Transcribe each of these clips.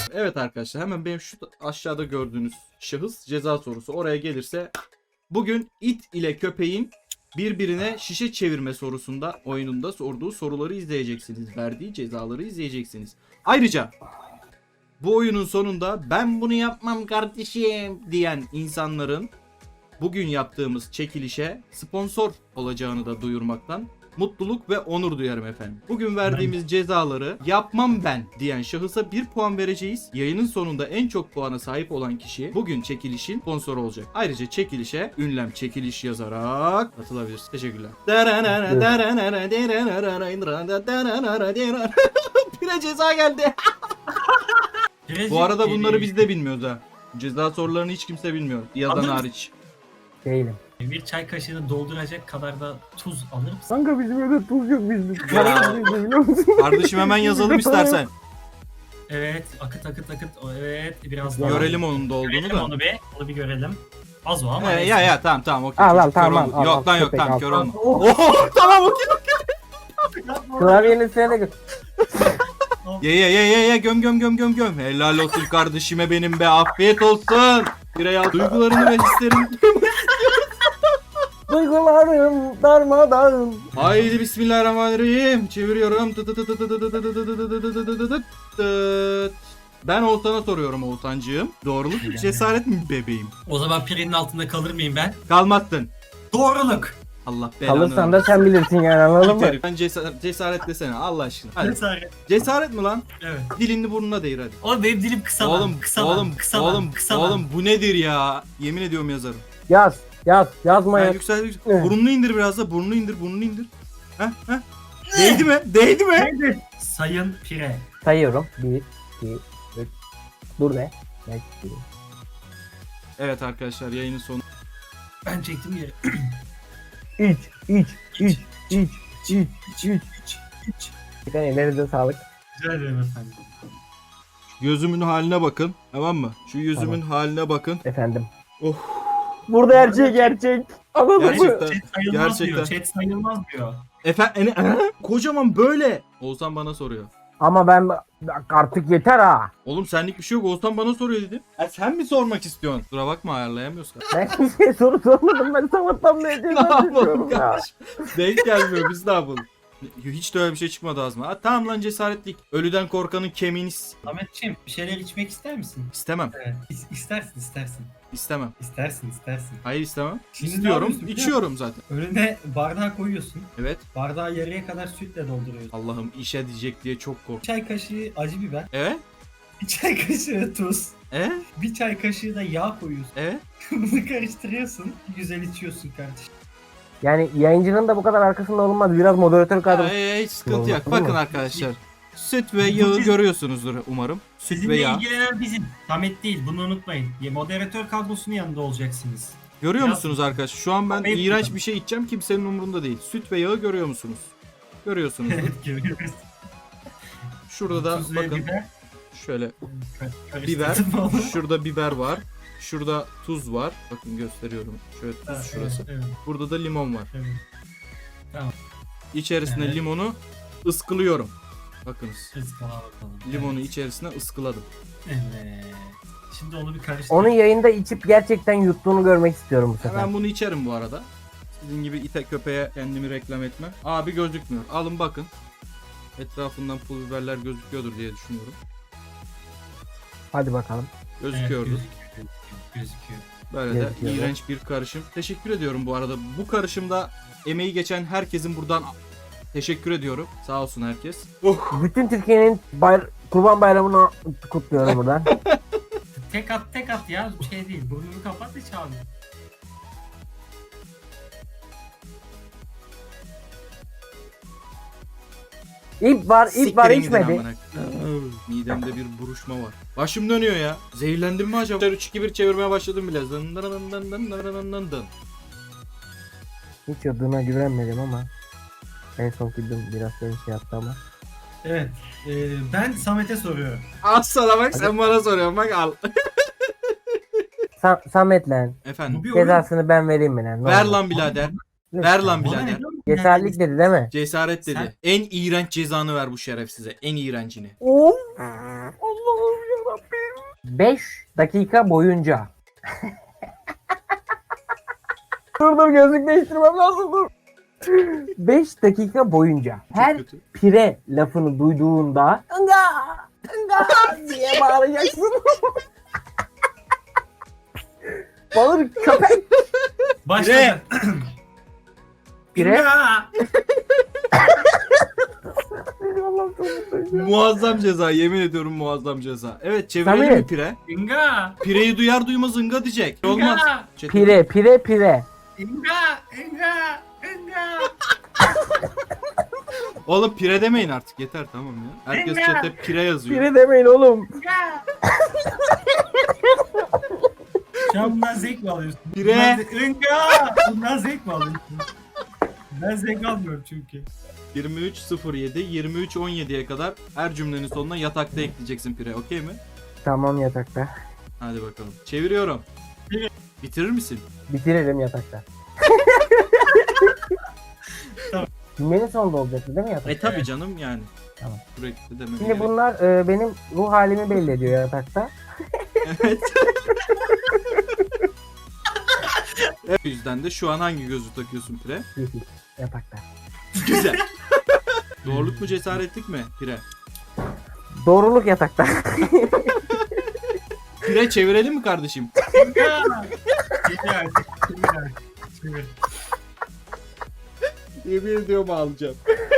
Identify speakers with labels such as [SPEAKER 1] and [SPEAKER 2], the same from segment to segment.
[SPEAKER 1] Evet arkadaşlar, hemen benim şu aşağıda gördüğünüz şahıs ceza sorusu oraya gelirse, bugün it ile köpeğin birbirine şişe çevirme sorusunda oyununda sorduğu soruları izleyeceksiniz. Verdiği cezaları izleyeceksiniz. Ayrıca bu oyunun sonunda ben bunu yapmam kardeşim diyen insanların bugün yaptığımız çekilişe sponsor olacağını da duyurmaktan mutluluk ve onur duyarım efendim. Bugün verdiğimiz cezaları yapmam ben diyen şahısa 1 puan vereceğiz. Yayının sonunda en çok puana sahip olan kişi bugün çekilişin sponsoru olacak. Ayrıca çekilişe ünlem çekiliş yazarak katılabilirsiniz. Teşekkürler. Pire ceza geldi. Bu arada bunları biz de bilmiyoruz ha. Ceza sorularını hiç kimse bilmiyor. Yazan
[SPEAKER 2] Alır mısın?
[SPEAKER 1] hariç.
[SPEAKER 3] Değilim.
[SPEAKER 2] Bir çay kaşığını dolduracak kadar da tuz alır mısın?
[SPEAKER 3] Kanka bizim evde tuz yok bizde. Para bizde biliyor musun?
[SPEAKER 1] Kardeşim hemen yazalım istersen.
[SPEAKER 2] Evet, akıt. Evet, biraz daha.
[SPEAKER 1] Görelim onun da olduğunu
[SPEAKER 2] Görelim
[SPEAKER 1] da.
[SPEAKER 2] onu bir. Onu bir görelim. Az o ama. neyse.
[SPEAKER 1] Ya tamam okey.
[SPEAKER 3] Al al
[SPEAKER 1] Çocuk kör
[SPEAKER 3] tamam
[SPEAKER 1] oldu.
[SPEAKER 3] al.
[SPEAKER 1] Yok lan yok
[SPEAKER 3] köpek,
[SPEAKER 1] tamam
[SPEAKER 3] al.
[SPEAKER 1] kör olma.
[SPEAKER 3] Oh,
[SPEAKER 1] Oh tamam okey.
[SPEAKER 3] Klavyenin üstüne de gö-
[SPEAKER 1] Ye göm. Helal olsun kardeşime benim be, afiyet olsun. Birey duygularını ve hislerini.
[SPEAKER 3] Duygularım darmadağın.
[SPEAKER 1] Haydi bismillahirrahmanirrahim. Çeviriyorum. Ben Oğuzhan'a soruyorum Oğuzhancığım. Doğruluk mu cesaret mi bebeğim?
[SPEAKER 2] O zaman pirenin altında kalır mıyım ben?
[SPEAKER 1] Kalmazsın.
[SPEAKER 2] Doğruluk.
[SPEAKER 1] Allah belanı.
[SPEAKER 3] Kalırsan da sen bilirsin yani anladın mı?
[SPEAKER 1] Ben cesaret desene Allah aşkına. Hadi.
[SPEAKER 2] Cesaret.
[SPEAKER 1] Cesaret mi lan?
[SPEAKER 2] Evet.
[SPEAKER 1] Dilini burnuna değir hadi.
[SPEAKER 2] Oğlum benim dilim kısa lan.
[SPEAKER 1] Oğlum bu nedir ya? Yemin ediyorum yazarım.
[SPEAKER 3] Yazma
[SPEAKER 1] Ha,
[SPEAKER 3] ya.
[SPEAKER 1] yüksel.
[SPEAKER 3] Evet.
[SPEAKER 1] Burnunu indir biraz da. Burnunu indir. Heh. Değdi mi?
[SPEAKER 2] Sayın Pire.
[SPEAKER 3] Sayıyorum. 1, 2, 3. Dur be. 5, 1.
[SPEAKER 1] Evet arkadaşlar, yayının sonu.
[SPEAKER 2] Ben çektim yeri.
[SPEAKER 3] İç. Bir ellerinize sağlık.
[SPEAKER 2] Rica ederim efendim.
[SPEAKER 1] Gözümün haline bakın. Tamam mı? Şu yüzümün haline bakın.
[SPEAKER 3] Efendim.
[SPEAKER 1] Oh.
[SPEAKER 3] Burada her şey gerçek. Anladın mı?
[SPEAKER 1] Gerçekten.
[SPEAKER 2] Chat sayılmaz
[SPEAKER 1] Gerçekten.
[SPEAKER 2] diyor. Chat sayılmaz diyor.
[SPEAKER 1] Efendim kocaman böyle. Oğuzhan bana soruyor.
[SPEAKER 3] Ama ben artık yeter ha.
[SPEAKER 1] Oğlum senlik bir şey yok. Oğuzhan bana soruyor dedim. Sen mi sormak istiyorsun? Kusura bakma, ayarlayamıyoruz.
[SPEAKER 3] Ben kimseye soru sormadım. Ben sabahtan beri
[SPEAKER 1] Ne
[SPEAKER 3] ceza
[SPEAKER 1] yapalım
[SPEAKER 3] çekiyorum ya.
[SPEAKER 1] kardeşim? Denk gelmiyor, biz ne yapalım? Hiç de öyle bir şey çıkmadı ağzıma. Ha, tamam lan, cesaretlik. Ölüden korkanın kemiğini
[SPEAKER 2] Ahmetciğim bir şeyler içmek ister misin?
[SPEAKER 1] istemem.
[SPEAKER 2] Evet. İstersin.
[SPEAKER 1] İstemem.
[SPEAKER 2] İstersin.
[SPEAKER 1] Hayır istemem.
[SPEAKER 2] Şimdi ne
[SPEAKER 1] İstiyorum.
[SPEAKER 2] yapıyorsun biliyor
[SPEAKER 1] İçiyorum zaten.
[SPEAKER 2] Önüne bardağı koyuyorsun.
[SPEAKER 1] Evet.
[SPEAKER 2] Bardağı yarıya kadar sütle dolduruyorsun.
[SPEAKER 1] Allah'ım işe diyecek diye çok
[SPEAKER 2] Bir
[SPEAKER 1] korktum.
[SPEAKER 2] çay kaşığı acı biber.
[SPEAKER 1] Evet.
[SPEAKER 2] Bir çay kaşığı tuz.
[SPEAKER 1] Evet.
[SPEAKER 2] Bir çay kaşığı da yağ koyuyorsun.
[SPEAKER 1] Evet.
[SPEAKER 2] Bunu karıştırıyorsun. Güzel içiyorsun kardeşim.
[SPEAKER 3] Yani yayıncının da bu kadar arkasında olunmaz. Biraz moderatör kadro.
[SPEAKER 1] Hiç sıkıntı yok.
[SPEAKER 3] Olmaz,
[SPEAKER 1] Bakın
[SPEAKER 3] değil mi?
[SPEAKER 1] arkadaşlar. Süt ve yağı görüyorsunuzdur umarım. Süt ve
[SPEAKER 2] Sizinle
[SPEAKER 1] yağ.
[SPEAKER 2] ilgilenen bizim. Samet değil, bunu unutmayın. Moderatör kadrosunun yanında olacaksınız.
[SPEAKER 1] Görüyor
[SPEAKER 2] Biraz-
[SPEAKER 1] musunuz arkadaşlar? Şu an ben
[SPEAKER 2] Kafayı
[SPEAKER 1] iğrenç
[SPEAKER 2] buldum.
[SPEAKER 1] bir şey içeceğim. Kimsenin umurunda değil. Süt ve yağı görüyor musunuz? Görüyorsunuz.
[SPEAKER 2] Evet, görüyoruz.
[SPEAKER 1] Şurada da
[SPEAKER 2] Tuz ve
[SPEAKER 1] bakın.
[SPEAKER 2] biber.
[SPEAKER 1] Şöyle
[SPEAKER 2] Karıştırdın
[SPEAKER 1] biber.
[SPEAKER 2] mı onu?
[SPEAKER 1] Şurada biber var. Şurada tuz var. Bakın gösteriyorum. Şöyle tuz
[SPEAKER 2] Ha,
[SPEAKER 1] şurası.
[SPEAKER 2] Evet,
[SPEAKER 1] Burada da limon var.
[SPEAKER 2] evet.
[SPEAKER 1] İçerisine
[SPEAKER 2] Evet.
[SPEAKER 1] limonu ıskılıyorum. Bakınız.
[SPEAKER 2] Iskala bakalım.
[SPEAKER 1] Limonu içerisine ıskıladım.
[SPEAKER 2] Evet. Şimdi onu bir karıştır.
[SPEAKER 3] Onu yayında içip gerçekten yuttuğunu görmek istiyorum bu sefer.
[SPEAKER 1] Ben bunu içerim bu arada. Sizin gibi ite köpeğe kendimi reklam etmem. Abi gözükmüyor. Alın bakın. Etrafından pul biberler gözüküyordur diye düşünüyorum.
[SPEAKER 3] Hadi bakalım.
[SPEAKER 1] Gözüküyordu.
[SPEAKER 2] Evet, gözüküyor.
[SPEAKER 1] Böyle de
[SPEAKER 3] Gözüküyor.
[SPEAKER 1] iğrenç bir karışım. Teşekkür ediyorum bu arada. Bu karışımda emeği geçen herkesin buradan teşekkür ediyorum. Sağ olsun herkes. Oh.
[SPEAKER 3] Bütün Türkiye'nin Kurban Bayramı'nı kutluyorum buradan.
[SPEAKER 2] Tek at ya, şey değil. Burnunu kapat hiç abi.
[SPEAKER 3] İp var
[SPEAKER 1] Siktirin gidin
[SPEAKER 3] içmedi.
[SPEAKER 1] amına. Midemde bir buruşma var. Başım dönüyor ya. Zehirlendim mi acaba? 3-2-1 çevirmeye başladım bile. Dın dın dın dın dın dın dın dın.
[SPEAKER 3] Hiç yadığına güvenmedim ama. En son güldüm biraz beni şey yaptı ama.
[SPEAKER 2] Evet. Ben Samet'e soruyorum.
[SPEAKER 1] Al sana bak, sen bana soruyorsun bak, al.
[SPEAKER 3] Samet lan.
[SPEAKER 1] Efendim.
[SPEAKER 2] Bu bir oyun.
[SPEAKER 3] Cezasını ben vereyim mi lan? Ne
[SPEAKER 1] Ver
[SPEAKER 3] olur?
[SPEAKER 1] lan birader.
[SPEAKER 3] Lütfen.
[SPEAKER 1] Ver lan
[SPEAKER 2] Bana
[SPEAKER 1] birader.
[SPEAKER 2] ne diyorsun?
[SPEAKER 3] Cesaretlik dedi değil mi?
[SPEAKER 1] Cesaret dedi.
[SPEAKER 2] Sen-
[SPEAKER 1] En iğrenç cezanı ver bu şerefsize. En iğrencini.
[SPEAKER 3] Of. Allah'ım yarabbim. 5 dakika boyunca. Dur gözlük değiştirmem lazım dur. 5 dakika boyunca her
[SPEAKER 1] Kötü.
[SPEAKER 3] pire lafını duyduğunda ınga ınga diye bağıracaksın. Bağır köpek.
[SPEAKER 2] Başladı.
[SPEAKER 3] Pire.
[SPEAKER 2] İnga!
[SPEAKER 3] Allah'ım çok mutluyum.
[SPEAKER 1] Muazzam ceza, yemin ediyorum muazzam ceza. Evet, çevirelim
[SPEAKER 3] Samet.
[SPEAKER 1] mi pire?
[SPEAKER 2] İnga!
[SPEAKER 1] Pireyi duyar duymaz ınga diyecek. Olmaz.
[SPEAKER 2] İnga!
[SPEAKER 1] Çetin.
[SPEAKER 3] Pire.
[SPEAKER 2] İnga! İnga! İnga!
[SPEAKER 1] Oğlum pire demeyin artık, yeter tamam ya. Herkes
[SPEAKER 2] İnga.
[SPEAKER 1] chatte pire yazıyor.
[SPEAKER 3] Pire demeyin oğlum.
[SPEAKER 2] İnga! Şu an bundan zevk mi alıyorsun?
[SPEAKER 1] Pire.
[SPEAKER 2] İnga! Bundan zevk mi alıyorsun? Ben zevk almıyorum çünkü.
[SPEAKER 1] 23.07, 23.17'ye kadar her cümlenin sonuna yatakta ekleyeceksin pire, okey mi?
[SPEAKER 3] Tamam yatakta.
[SPEAKER 1] Hadi bakalım. Çeviriyorum.
[SPEAKER 2] Evet.
[SPEAKER 1] Bitirir misin?
[SPEAKER 3] Bitirelim yatakta.
[SPEAKER 2] Tamam.
[SPEAKER 3] Cümlenin sonunda olacaktı değil mi yatakta?
[SPEAKER 1] Tabi canım yani.
[SPEAKER 3] Tamam.
[SPEAKER 1] Sürekli demek.
[SPEAKER 3] Şimdi bunlar benim ruh halimi belli ediyor yatakta.
[SPEAKER 1] Evet. Evet. O yüzden de şu an hangi gözlük takıyorsun pire?
[SPEAKER 3] Yeşil. Yatakta.
[SPEAKER 1] Güzel. Doğruluk mu cesaretlik mi pire?
[SPEAKER 3] Doğruluk yatakta.
[SPEAKER 1] Pire çevirelim mi kardeşim?
[SPEAKER 2] İnga! Çevir artık. Çevir artık. Çevir.
[SPEAKER 1] Yemin ediyorum ağlayacağım.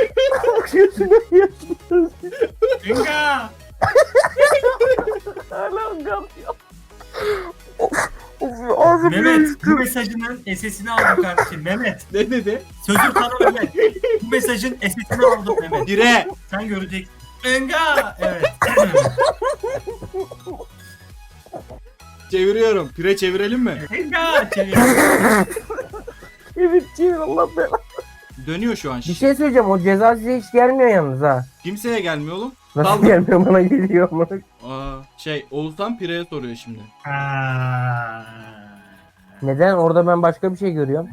[SPEAKER 2] İnga!
[SPEAKER 3] Hala kapıyor.
[SPEAKER 2] Mehmet, bu mesajının SS'ini aldım kardeşim. Mehmet,
[SPEAKER 1] Ne dedi?
[SPEAKER 2] sözüm sana öyle. Bu mesajın SS'ini aldım Mehmet.
[SPEAKER 1] Pire.
[SPEAKER 2] Sen göreceksin. Enga! Evet.
[SPEAKER 1] Çeviriyorum. Pire çevirelim mi?
[SPEAKER 2] Enga! Çevir.
[SPEAKER 3] Evet çevir Allah belanı.
[SPEAKER 1] Dönüyor şu an.
[SPEAKER 3] Bir şey söyleyeceğim o ceza size hiç gelmiyor yalnız ha.
[SPEAKER 1] Kimseye gelmiyor oğlum.
[SPEAKER 3] Nasıl
[SPEAKER 1] Kaldı.
[SPEAKER 3] gelmiyor bana geliyor ama.
[SPEAKER 1] Oğuzhan Pire'ye soruyor şimdi.
[SPEAKER 2] Ha.
[SPEAKER 3] Neden? Orada ben başka bir şey görüyorum.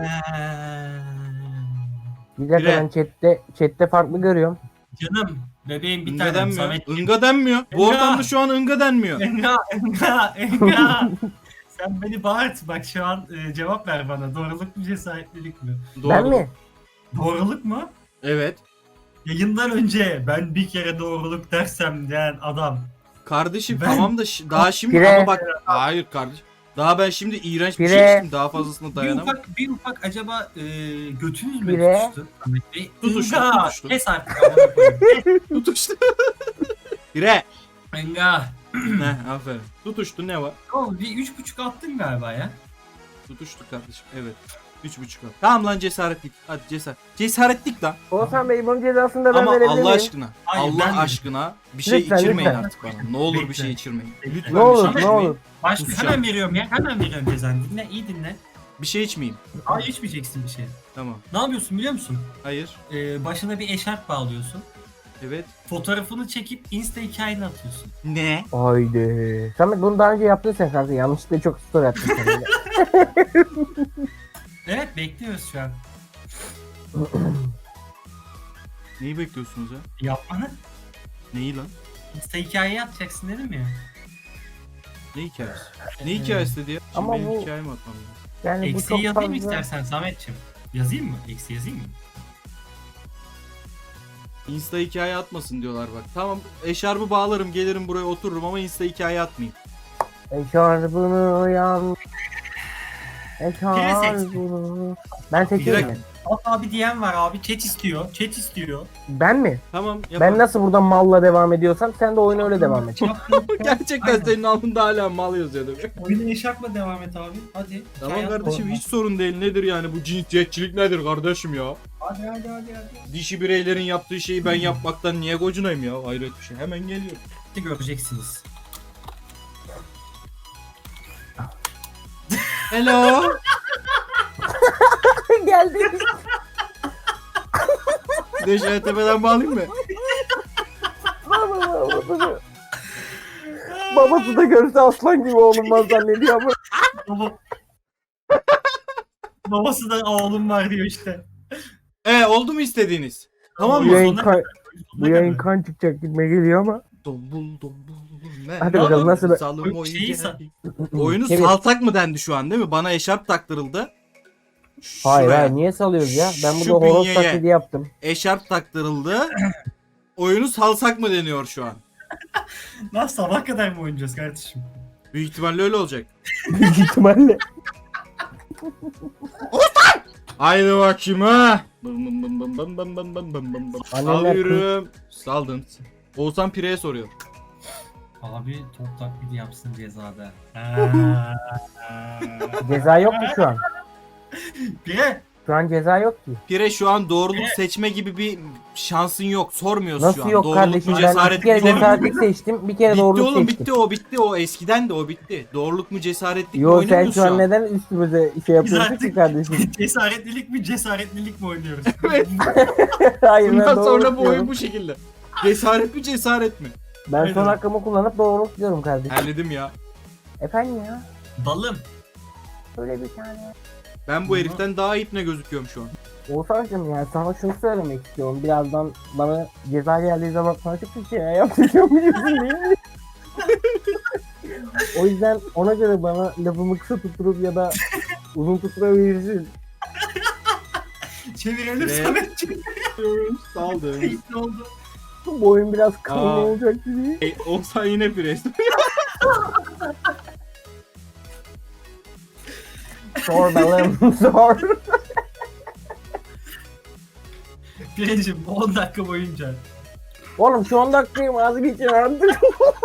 [SPEAKER 3] Bir dakika
[SPEAKER 1] Bire.
[SPEAKER 3] ben chatte farklı görüyorum.
[SPEAKER 2] Canım, bebeğim bir
[SPEAKER 1] Inga
[SPEAKER 2] tane
[SPEAKER 1] denmiyor.
[SPEAKER 2] Samet.
[SPEAKER 1] Inga denmiyor. Bu
[SPEAKER 2] Inga.
[SPEAKER 1] ortamda şu an ınga denmiyor.
[SPEAKER 2] Enga! Enga! Enga! Sen beni bağırt. Bak şu an cevap ver bana. Doğruluk mu cesaretlilik mi?
[SPEAKER 1] Doğru.
[SPEAKER 3] Ben mi?
[SPEAKER 2] Doğruluk mu?
[SPEAKER 1] Evet.
[SPEAKER 2] Yayından önce ben bir kere doğruluk dersem diyen adam.
[SPEAKER 1] Kardeşim
[SPEAKER 2] Ben-
[SPEAKER 1] tamam da daha şimdi
[SPEAKER 3] Pire.
[SPEAKER 1] ama bak. Hayır kardeşim. Daha ben şimdi iğrenç bir
[SPEAKER 3] Pire.
[SPEAKER 1] şey içtim. Daha fazlasına
[SPEAKER 2] Bir
[SPEAKER 1] dayanamam.
[SPEAKER 2] ufak acaba götünüz mü
[SPEAKER 3] Bire.
[SPEAKER 2] tutuştu? Ahmet Bey?
[SPEAKER 1] Tutuştu,
[SPEAKER 2] Enga!
[SPEAKER 1] tutuştu.
[SPEAKER 2] Kes artık. amına koyayım.
[SPEAKER 1] Tutuştu. Pire.
[SPEAKER 2] Enga!
[SPEAKER 1] Ne aferin. Tutuştu ne var?
[SPEAKER 2] Oğlum bir 3.5 attın galiba ya.
[SPEAKER 1] Tutuştu kardeşim. Evet. 3.5 al. Tamam lan cesaretlik. Hadi cesaretlik lan.
[SPEAKER 3] Oğuzhan Bey bunun cezasını da ben
[SPEAKER 1] Ama
[SPEAKER 3] verebilir
[SPEAKER 1] Allah
[SPEAKER 3] miyim?
[SPEAKER 1] aşkına.
[SPEAKER 2] Hayır,
[SPEAKER 1] Allah
[SPEAKER 2] ben de.
[SPEAKER 1] aşkına bir şey
[SPEAKER 3] Lütfen,
[SPEAKER 1] içirmeyin
[SPEAKER 3] lütfen.
[SPEAKER 1] artık bana. Ne olur bir
[SPEAKER 2] Bekle.
[SPEAKER 1] şey içirmeyin.
[SPEAKER 2] Bekle.
[SPEAKER 1] Lütfen
[SPEAKER 3] Ne
[SPEAKER 1] bir
[SPEAKER 3] olur
[SPEAKER 1] şey
[SPEAKER 3] ne
[SPEAKER 1] içmeyin.
[SPEAKER 3] olur.
[SPEAKER 2] Başka
[SPEAKER 1] Kusacağım.
[SPEAKER 2] hemen veriyorum ya. Hemen veriyorum cezanı. Dinle, iyi dinle.
[SPEAKER 1] Bir şey içmeyeyim.
[SPEAKER 2] Hayır içmeyeceksin bir şey.
[SPEAKER 1] Tamam.
[SPEAKER 2] Ne yapıyorsun biliyor musun?
[SPEAKER 1] Hayır.
[SPEAKER 2] Başına bir eşarp bağlıyorsun.
[SPEAKER 1] Evet.
[SPEAKER 2] Fotoğrafını çekip Insta hikayene atıyorsun.
[SPEAKER 1] Ne?
[SPEAKER 3] Haydi. Samet bunu daha önce yaptın sen kanka. Yanlışlıkla çok story attın sen.
[SPEAKER 2] Evet bekliyoruz şu an.
[SPEAKER 1] Neyi bekliyorsunuz ya?
[SPEAKER 2] Yapmanı.
[SPEAKER 1] Neyi lan?
[SPEAKER 2] Insta hikayeye atacaksın dedim ya.
[SPEAKER 1] Ne hikayesi? Ne hikayesi dedi ya? Şimdi
[SPEAKER 3] Ama
[SPEAKER 1] benim
[SPEAKER 3] bu-
[SPEAKER 1] hikayemi atmam lazım.
[SPEAKER 3] Yani bu
[SPEAKER 2] Eksiği
[SPEAKER 3] çok
[SPEAKER 2] yazayım mı
[SPEAKER 3] fazla.
[SPEAKER 2] istersen Samet'ciğim? Yazayım mı? Eksi yazayım mı?
[SPEAKER 1] Insta hikaye atmasın diyorlar bak. Tamam eşarbı bağlarım gelirim buraya otururum ama Insta hikaye atmayayım.
[SPEAKER 3] Eşarbını uyan. Eşarbını. Ben seçeyim
[SPEAKER 1] Direkt-
[SPEAKER 3] mi?
[SPEAKER 2] At abi diyen var abi. Chat istiyor. Chat istiyor.
[SPEAKER 3] Ben mi?
[SPEAKER 1] Tamam
[SPEAKER 3] Ben
[SPEAKER 1] yapalım.
[SPEAKER 3] nasıl buradan malla devam ediyorsam sen de oyuna öyle devam et.
[SPEAKER 1] Gerçekten
[SPEAKER 2] Aynen.
[SPEAKER 1] senin altında hala mal yazıyor demek.
[SPEAKER 2] Oyuna eşarpla devam et abi. Hadi.
[SPEAKER 1] Tamam
[SPEAKER 2] Hikaye at
[SPEAKER 1] kardeşim
[SPEAKER 2] oradan.
[SPEAKER 1] hiç sorun değil nedir yani bu cinsiyetçilik nedir kardeşim ya?
[SPEAKER 2] Hadi.
[SPEAKER 1] Dişi bireylerin yaptığı şeyi ben yapmaktan niye gocunayım ya? Hayret bir şey. Hemen geliyor.
[SPEAKER 2] Hadi göreceksiniz.
[SPEAKER 1] Hello.
[SPEAKER 3] Geldi.
[SPEAKER 1] Bir de şöyle tepeden bağlayayım mı?
[SPEAKER 3] Babası da görse aslan gibi olunmaz zannediyor ama.
[SPEAKER 2] Baba. Babası da oğlum var diyor işte.
[SPEAKER 1] Oldu mu istediğiniz? Tamam
[SPEAKER 3] Bu
[SPEAKER 1] mı?
[SPEAKER 2] Oyun
[SPEAKER 3] yayın,
[SPEAKER 2] sonuna
[SPEAKER 3] kan,
[SPEAKER 2] kadar,
[SPEAKER 3] bu yayın kan çıkacak gitme geliyor ama.
[SPEAKER 1] Dombul.
[SPEAKER 3] Hadi bakalım, nasıl bir-
[SPEAKER 1] Salım
[SPEAKER 2] Oyun
[SPEAKER 1] oyun
[SPEAKER 2] şeyi
[SPEAKER 1] geldi. Oyunu
[SPEAKER 3] Evet.
[SPEAKER 1] salsak mı dendi şu an değil mi? Bana eşarp taktırıldı.
[SPEAKER 3] Hayır
[SPEAKER 1] Şuraya.
[SPEAKER 3] hayır, niye salıyoruz ya? Ben
[SPEAKER 1] Şu
[SPEAKER 3] burada horoz
[SPEAKER 1] bünyeye.
[SPEAKER 3] taklidi yaptım.
[SPEAKER 1] Eşarp taktırıldı. Oyunu salsak mı deniyor şu an?
[SPEAKER 2] Lan sabah kadar mı oynayacağız kardeşim?
[SPEAKER 1] Büyük ihtimalle öyle olacak.
[SPEAKER 3] Büyük ihtimalle.
[SPEAKER 1] Haydi bakayım ha. Alıyorum. Saldın. Oğuzhan Pire'ye soruyor.
[SPEAKER 2] Abi top taklidi yapsın cezada.
[SPEAKER 3] Ceza yok ki şu an.
[SPEAKER 2] Pire.
[SPEAKER 3] Şu an ceza yok ki.
[SPEAKER 1] Pire şu an doğruluk seçme gibi bir şansın yok. Sormuyoruz şu
[SPEAKER 3] Nasıl
[SPEAKER 1] an.
[SPEAKER 3] yok
[SPEAKER 1] Doğruluk
[SPEAKER 3] kardeşim?
[SPEAKER 1] mu
[SPEAKER 3] Ben
[SPEAKER 1] cesaret
[SPEAKER 3] bir kere
[SPEAKER 1] mi? Doğruluk mu?
[SPEAKER 3] cesaretlik seçtim. Bir kere
[SPEAKER 1] Bitti
[SPEAKER 3] doğruluk
[SPEAKER 1] oğlum
[SPEAKER 3] seçtim.
[SPEAKER 1] bitti o eskiden de o bitti. Doğruluk mu cesaretlik mi
[SPEAKER 3] Yo, sen
[SPEAKER 1] oynamıyoruz
[SPEAKER 3] şu an neden üstümüze şey
[SPEAKER 2] Biz
[SPEAKER 3] yapıyorsun ki
[SPEAKER 2] artık
[SPEAKER 3] kardeşim?
[SPEAKER 2] cesaretlilik mi cesaretlilik mi oynuyoruz?
[SPEAKER 1] Evet.
[SPEAKER 3] Hayır, ben
[SPEAKER 1] Bundan
[SPEAKER 3] doğruluk
[SPEAKER 1] sonra bu oyun
[SPEAKER 3] diyorum.
[SPEAKER 1] bu şekilde. Cesaret mi cesaret mi?
[SPEAKER 3] Ben son
[SPEAKER 2] Aynen.
[SPEAKER 3] hakkımı kullanıp doğruluk diyorum kardeşim.
[SPEAKER 1] Halledim ya.
[SPEAKER 3] Efendim ya?
[SPEAKER 2] Balım.
[SPEAKER 3] Öyle bir tane.
[SPEAKER 1] Ben bu heriften daha ipne gözüküyorum şu an.
[SPEAKER 3] Oğuzhan'cım ya, sana şunu söylemek istiyorum. Birazdan bana ceza geldiği zaman sana çok bir şey yapacağım, biliyorsun değil mi? O yüzden ona göre bana lafımı kısa tutturup ya da uzun tutturabilirsin.
[SPEAKER 2] Çevirelim
[SPEAKER 1] Ve-
[SPEAKER 2] Samet çevir.
[SPEAKER 1] Saldım.
[SPEAKER 2] Ne oldu?
[SPEAKER 3] Bu oyun biraz kanlı
[SPEAKER 1] Aa.
[SPEAKER 3] olacak gibi.
[SPEAKER 1] Oğuzhan yine pres.
[SPEAKER 3] Sor balım, sor.
[SPEAKER 2] Pirecim 10 dakika boyunca.
[SPEAKER 3] Oğlum şu 10 dakikayı vazgeçin artık.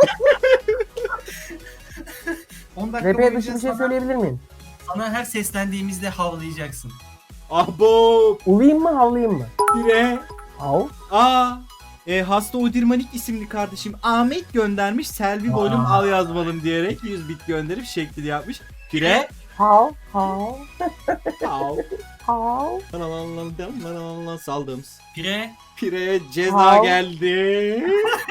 [SPEAKER 2] 10 dakika
[SPEAKER 3] RP
[SPEAKER 2] boyunca
[SPEAKER 3] dışı bir şey
[SPEAKER 2] sana,
[SPEAKER 3] söyleyebilir miyim?
[SPEAKER 2] sana her seslendiğimizde havlayacaksın.
[SPEAKER 1] Abo.
[SPEAKER 3] Ulayım mı, havlayayım mı?
[SPEAKER 1] Pire.
[SPEAKER 3] Hav.
[SPEAKER 1] Hasta Odirmanik isimli kardeşim Ahmet göndermiş. Selvi boylum al yazmalım diyerek 100 bit gönderip şeklini yapmış. Pire.
[SPEAKER 3] Hav. Hav.
[SPEAKER 1] Hav.
[SPEAKER 3] Hav.
[SPEAKER 1] Saldım.
[SPEAKER 2] Pire.
[SPEAKER 1] Pire'ye ceza
[SPEAKER 3] Hav.
[SPEAKER 1] geldi.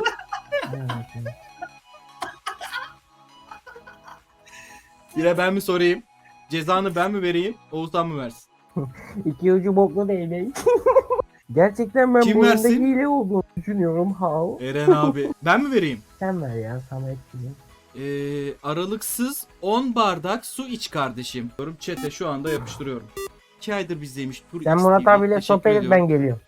[SPEAKER 1] Pire ben mi sorayım? Cezanı ben mi vereyim? Oğuzhan mı versin?
[SPEAKER 3] İki ucu boklu değil değil. Gerçekten ben
[SPEAKER 1] Kim
[SPEAKER 3] bu oyunda
[SPEAKER 1] versin?
[SPEAKER 3] hile olduğunu düşünüyorum. Hav.
[SPEAKER 1] Eren abi. Ben mi vereyim?
[SPEAKER 3] Sen ver ya, Samet gibi.
[SPEAKER 1] Aralıksız 10 bardak su iç kardeşim. Diyorum chat'e şu anda yapıştırıyorum. 2 aydır bizdeymiş. Tur
[SPEAKER 3] Sen
[SPEAKER 1] X
[SPEAKER 3] Murat
[SPEAKER 1] TV.
[SPEAKER 3] abiyle
[SPEAKER 1] Teşekkür
[SPEAKER 3] sohbet et,
[SPEAKER 1] ediyorum.
[SPEAKER 3] ben geliyorum.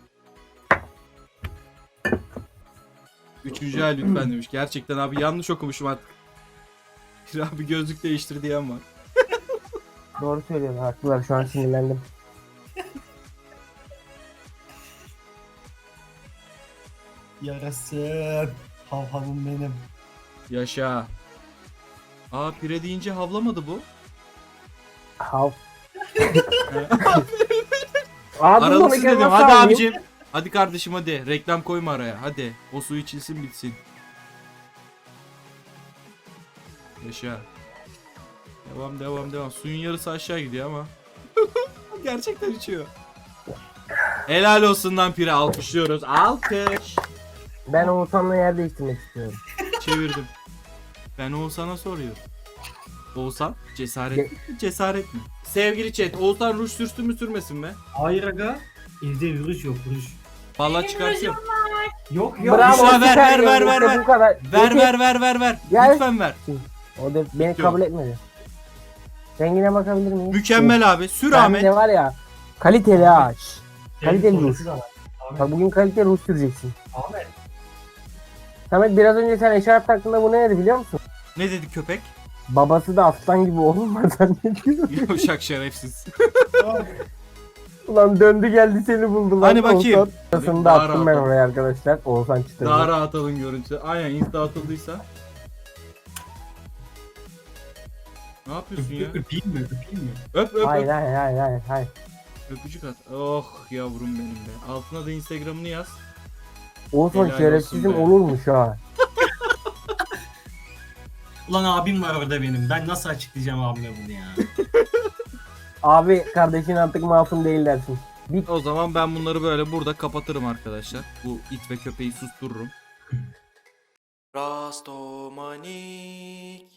[SPEAKER 1] 3. ay lütfen demiş. Gerçekten abi yanlış okumuşum artık. Bir abi gözlük değiştir diyen var.
[SPEAKER 3] Doğru söylüyorsun, haklılar, şu an sinirlendim.
[SPEAKER 2] Yarasın. Hav havım benim.
[SPEAKER 1] Yaşa. Pire deyince havlamadı bu.
[SPEAKER 3] Hav. Abi
[SPEAKER 1] Aralıksız
[SPEAKER 3] bunu
[SPEAKER 1] dedim.
[SPEAKER 3] nasıl
[SPEAKER 1] Hadi
[SPEAKER 3] alayım?
[SPEAKER 1] abicim. Hadi kardeşim hadi. Reklam koyma araya. Hadi. O su içilsin bitsin. Yaşa. Devam. Suyun yarısı aşağı gidiyor ama. Gerçekten içiyor. Helal olsun lan Pire. Alkışlıyoruz. Alkış.
[SPEAKER 3] Ben Oğuzhan'la yer değiştirmek istiyorum.
[SPEAKER 1] Çevirdim. Ben Oğuzhan'a soruyorum. Oğuzhan cesaret mi? Cesaret mi? Sevgili chat, Oğuzhan ruj sürsün mü sürmesin mi?
[SPEAKER 2] Hayır aga. Evde vuruş yok vuruş.
[SPEAKER 1] Vallahi çıkartıyorum.
[SPEAKER 2] Yok yok.
[SPEAKER 3] Bravo,
[SPEAKER 1] Büşra, ver,
[SPEAKER 3] süper
[SPEAKER 1] ver,
[SPEAKER 3] ya,
[SPEAKER 1] ver,
[SPEAKER 3] işte
[SPEAKER 1] ver.
[SPEAKER 3] bu kadar.
[SPEAKER 1] Ver.
[SPEAKER 3] Gel.
[SPEAKER 1] Lütfen ver.
[SPEAKER 3] O da beni
[SPEAKER 1] Yok.
[SPEAKER 3] kabul etmedi. Rengine bakabilir miyim?
[SPEAKER 1] Mükemmel abi. Sür
[SPEAKER 3] Ben
[SPEAKER 1] Ahmet.
[SPEAKER 3] de var ya, kaliteli ağaç. Kaliteli
[SPEAKER 2] Benim
[SPEAKER 3] ruj.
[SPEAKER 2] sonrası da var.
[SPEAKER 3] Bak bugün kaliteli ruj süreceksin.
[SPEAKER 2] Ahmet.
[SPEAKER 3] Samet, biraz önce sen eşarp taktığında bu ne dedi biliyor musun?
[SPEAKER 1] Ne dedi köpek?
[SPEAKER 3] Babası da aslan gibi oğlum var zannediyor.
[SPEAKER 1] Yavşak şerefsiz.
[SPEAKER 3] Ulan döndü geldi seni buldu lan.
[SPEAKER 1] Hani bakayım.
[SPEAKER 3] Oğuzhan. Arasını da
[SPEAKER 1] Daha
[SPEAKER 3] attım ben
[SPEAKER 1] rahat ol.
[SPEAKER 3] oraya arkadaşlar. Oğuzhan çıtırdı.
[SPEAKER 1] Daha rahat alın görüntü. Aynen insta atıldıysa. Ne yapıyorsun ya?
[SPEAKER 2] Öpeyim mi? Öpeyim mi?
[SPEAKER 1] Öp.
[SPEAKER 3] Hayır hayır hayır.
[SPEAKER 1] Öpücük at. Oh yavrum benim be. Altına da Instagram'ını yaz.
[SPEAKER 3] Oğuzhan
[SPEAKER 1] Helal
[SPEAKER 3] şerefsizim
[SPEAKER 1] olsun be.
[SPEAKER 3] olurmuş ha.
[SPEAKER 2] Ulan abim var orada benim. Ben nasıl açıklayacağım abime bunu ya?
[SPEAKER 3] Abi kardeşin artık masum değil dersin.
[SPEAKER 1] O zaman ben bunları böyle burada kapatırım arkadaşlar. Bu it ve köpeği sustururum. Rastomanik